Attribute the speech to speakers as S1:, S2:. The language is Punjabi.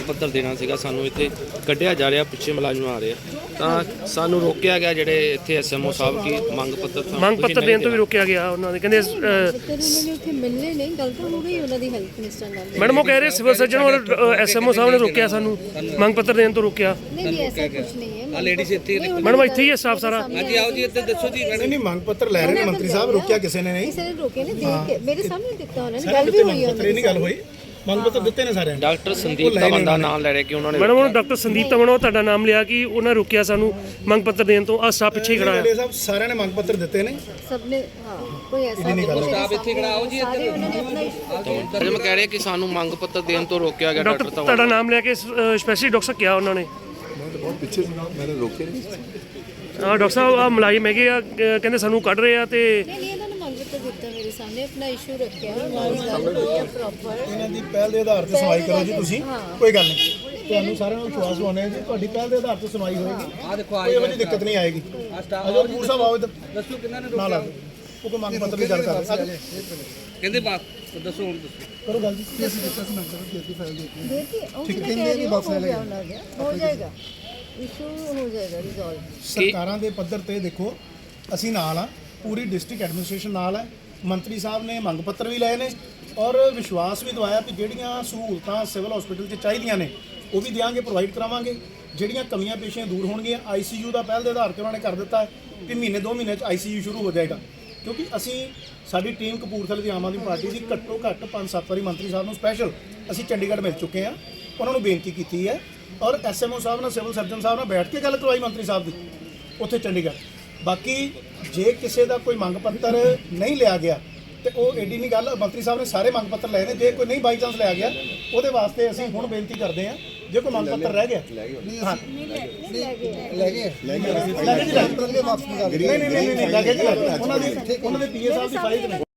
S1: पत्र देना सीगा, सानू इत्थे कढ़िया जा रहा, पिछे मुलाजम आ रहे तो सानू रोकया गया। जिहड़े इत्थे SMO साहब की मंग पत्र
S2: देने तो भी रोकया गया। उन्होंने कहंदे
S3: मिलने नहीं, गल तो हो गई उन्हां दी हेल्थ मिनिस्टर नाल।
S2: मैडम वो कह रहे सिविल सर्जन और SMO साहब ने रोकया, सानू मंग पत्र देने तो रोकया।
S3: नहीं ऐसा कुछ नहीं है।
S4: लेडीज इत्थे
S2: मैडम इत्थे ही है स्टाफ सारा।
S4: हाँ जी, आओ जी इत्थे दसो जी।
S5: नहीं मंग पत्र लै रहे ने मंत्री साहब, रोकया किसी ने नहीं।
S3: किसी ने रोके ने, देख के मेरे सामने दिखता उन्होंने, गल भी हुई है।
S5: नहीं गल हुई, मंग पत्र दिते ने सारे।
S1: डॉक्टर संदीप तमन दा नाम ले रहे कि उन्होंने
S2: मैडम उन्होंने डॉक्टर संदीप तमन ਉਹ ਤੁਹਾਡਾ ਨਾਮ ਲਿਆ ਕਿ ਉਹਨਾਂ ਰੋਕਿਆ ਸਾਨੂੰ ਮੰਗ ਪੱਤਰ ਦੇਣ ਤੋਂ। ਆ ਸਟਾਫ ਪਿੱਛੇ ਖੜਾ ਹੈ।
S5: साहब सारे ने मंग पत्र दिते ने।
S3: सबने हां कोई ऐसा नहीं।
S4: स्टाफ इत्थे खड़ा आओ जी।
S3: सारे उन्होंने अपना इशू
S1: मैं कह रहे कि सानू मंग पत्र देने तो रोकया गया।
S2: ਡਾਕਟਰ ਤੁਹਾਡਾ ਨਾਮ ਲਿਆ ਕੇ ਸਪੈਸ਼ਲੀ ਡਾਕਟਰ ਸਾਹਿਬ ਕਿਹਾ ਉਹਨਾਂ ਨੇ।
S6: बहुत पीछे से मैंने रोके नहीं।
S2: ਡਾਕਟਰ ਸਾਹਿਬ ਆ ਮੁਲਾਜ਼ਮ ਹੈਗੇ ਆ, ਕਹਿੰਦੇ ਸਾਨੂੰ ਕੱਢ ਰਹੇ ਆ ਤੇ
S3: नहीं ਇਹਨਾਂ ਨੇ ਮੰਗ ਪੱਤਰ ਦਿੱਤਾ ਮੇਰੇ ਸਾਹਮਣੇ, ਆਪਣਾ ਇਸ਼ੂ ਰੱਖਿਆ, ਨਾਲ ਗੱਲ ਹੋਈ ਹੈ ਪ੍ਰੋਪਰ।
S5: ਇਹਨਾਂ ਦੀ ਪਹਿਲ ਦੇ ਆਧਾਰ ਤੇ ਸੁਣਵਾਈ ਕਰੋ ਜੀ ਤੁਸੀਂ, ਕੋਈ ਗੱਲ ਨਹੀਂ। ਤੁਹਾਨੂੰ ਸਾਰਿਆਂ ਨੂੰ ਵਿਸ਼ਵਾਸ ਹੋਣਾ ਹੈ ਜੀ ਤੁਹਾਡੀ ਪਹਿਲ ਦੇ ਆਧਾਰ ਤੇ ਸੁਣਵਾਈ ਹੋਏਗੀ।
S4: ਆ ਦੇਖੋ
S5: ਕੋਈ ਇਹੋ ਜਿਹੀ ਦਿੱਕਤ ਨਹੀਂ ਆਏਗੀ। ਅਜੋ ਕਪੂਰ ਸਾਹਿਬ ਆਓ ਇੱਧਰ,
S4: ਦੱਸੋ ਕਿੰਨਾ ਨੇ
S5: ਨਾਲ ਆ ਉਹ ਕੋਈ ਮੰਗ ਪੱਤਰ ਦੀ ਗੱਲ ਕਰ ਰਹੇ ਆ।
S4: ਕਹਿੰਦੇ ਬਾਤ ਦੱਸੋ ਹੁਣ ਦੱਸੋ
S5: ਕਰੋ ਗੱਲ ਜੀ। ਕੀ ਅਸੀਂ ਦਿੱਤਾ ਸੀ ਮੰਗ ਪੱਤਰ ਦੀ ਫਾਈਲ ਦੇ ਕੇ।
S3: देखिए ठीक है कि बॉक्स ले गया, हो जाएगा इशू, हो जाएगा रिजॉल्व।
S5: ਸਰਕਾਰਾਂ ਦੇ ਪੱਧਰ ਤੇ ਦੇਖੋ ਅਸੀਂ ਨਾਲ ਆ, ਪੂਰੀ ਡਿਸਟ੍ਰਿਕਟ ਐਡਮਿਨਿਸਟ੍ਰੇਸ਼ਨ ਨਾਲ ਹੈ। ਮੰਤਰੀ ਸਾਹਿਬ ਨੇ ਮੰਗ ਪੱਤਰ ਵੀ ਲਏ ਨੇ ਔਰ ਵਿਸ਼ਵਾਸ ਵੀ ਦਵਾਇਆ ਕਿ ਜਿਹੜੀਆਂ ਸਹੂਲਤਾਂ ਸਿਵਲ ਹਸਪੀਟਲ 'ਚ ਚਾਹੀਦੀਆਂ ਨੇ ਉਹ ਵੀ ਦਿਆਂਗੇ, ਪ੍ਰੋਵਾਈਡ ਕਰਾਵਾਂਗੇ। ਜਿਹੜੀਆਂ ਕਮੀਆਂ ਪੇਸ਼ੀਆਂ ਦੂਰ ਹੋਣਗੀਆਂ। ICU ਦਾ ਪਹਿਲ ਦੇ ਆਧਾਰ ਤੇ ਉਹਨਾਂ ਨੇ ਕਰ ਦਿੱਤਾ ਹੈ ਕਿ ਮਹੀਨੇ 2 ਮਹੀਨੇ 'ਚ ICU ਸ਼ੁਰੂ ਹੋ ਜਾਏਗਾ। ਕਿਉਂਕਿ ਅਸੀਂ ਸਾਡੀ ਟੀਮ ਕਪੂਰਥਲੇ ਦੀ ਆਮ ਆਦਮੀ ਪਾਰਟੀ ਦੀ ਘੱਟੋ ਘੱਟ 5-7 ਵਾਰੀ ਮੰਤਰੀ ਸਾਹਿਬ ਨੂੰ ਸਪੈਸ਼ਲ ਅਸੀਂ ਚੰਡੀਗੜ੍ਹ ਮਿਲ ਚੁੱਕੇ ਹਾਂ, ਉਹਨਾਂ ਨੂੰ ਬੇਨਤੀ ਕੀਤੀ ਹੈ ਔਰ SMO ਸਾਹਿਬ ਨਾਲ ਸਿਵਲ ਸਰਜਨ ਸਾਹਿਬ ਨਾਲ ਬੈਠ ਕੇ ਗੱਲ ਕਰਵਾਈ ਮੰਤਰੀ ਸਾਹਿਬ ਦੀ ਉੱਥੇ ਚੰਡੀਗੜ੍ਹ। ਬਾਕੀ ਜੇ ਕਿਸੇ ਦਾ ਕੋਈ ਮੰਗ ਪੱਤਰ ਨਹੀਂ ਲਿਆ ਗਿਆ ਤੇ ਉਹ ਏਡੀ ਨਹੀਂ ਗੱਲ, ਮੰਤਰੀ ਸਾਹਿਬ ਨੇ ਸਾਰੇ ਮੰਗ ਪੱਤਰ ਲਏ ਨੇ। ਜੇ ਕੋਈ ਨਹੀਂ ਬਾਈ ਚਾਂਸ ਲਿਆ ਗਿਆ ਉਹਦੇ ਵਾਸਤੇ ਅਸੀਂ ਹੁਣ ਬੇਨਤੀ ਕਰਦੇ ਹਾਂ, ਜੇ ਕੋਈ ਮੰਗ ਪੱਤਰ ਰਹਿ ਗਿਆ ਹਾਂ
S3: नहीं ले गए
S5: ਲੈ ਗਏ ਜੀ, ਲੈ ਗਏ। ਨਹੀਂ ਉਹਨਾਂ ਦੀ PA ਸਾਹਿਬ ਦੀ ਫਾਈਲ ਤੇ